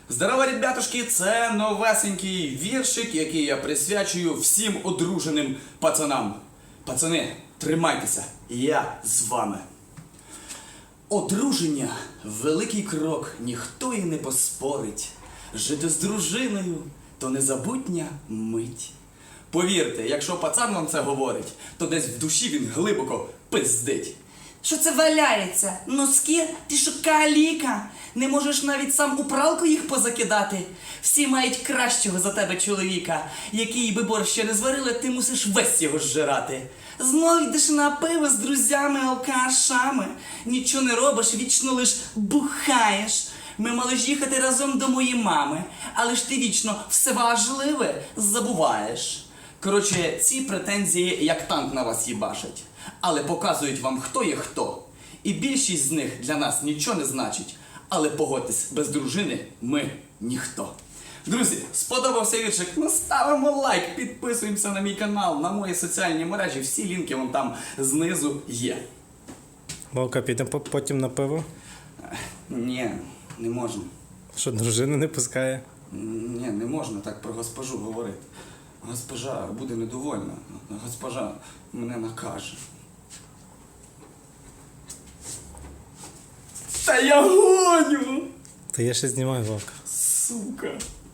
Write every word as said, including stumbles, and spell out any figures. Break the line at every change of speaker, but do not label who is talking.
Здорово, ребятушки! Це новесенький віршик, який я присвячую всім одруженим пацанам. Пацани, тримайтеся, я з вами. Одруження – великий крок, ніхто і не поспорить. Жити з дружиною – то незабутня мить. Повірте, якщо пацан вам це говорить, то десь в душі він глибоко пиздить.
Що це валяється? Носки? Ти що, каліка? Не можеш навіть сам у пралку їх позакидати? Всі мають кращого за тебе чоловіка. Який би борщ ще не зварили, ти мусиш весь його зжирати. Знов йдеш на пиво з друзями, алкашами. Нічого не робиш, вічно лиш бухаєш. Ми мали ж їхати разом до моєї мами, але ж ти вічно все важливе забуваєш. Коротше, ці претензії як танк на вас їбашать. Але показують вам, хто є хто. І більшість з них для нас нічого не значить. Але погодьтесь, без дружини ми ніхто. Друзі, сподобався віршик? Ну ставимо лайк, підписуємося на мій канал, на мої соціальні мережі. Всі лінки вон там знизу є.
Вовка, підемо по- потім на пиво?
Ні, не можна.
Що, дружина не пускає?
Ні, не можна так про госпожу говорити. Госпожа буде недовольна. Госпожа мене накаже. Та я гоню!
Та я ще знімаю, Вовка.
Сука!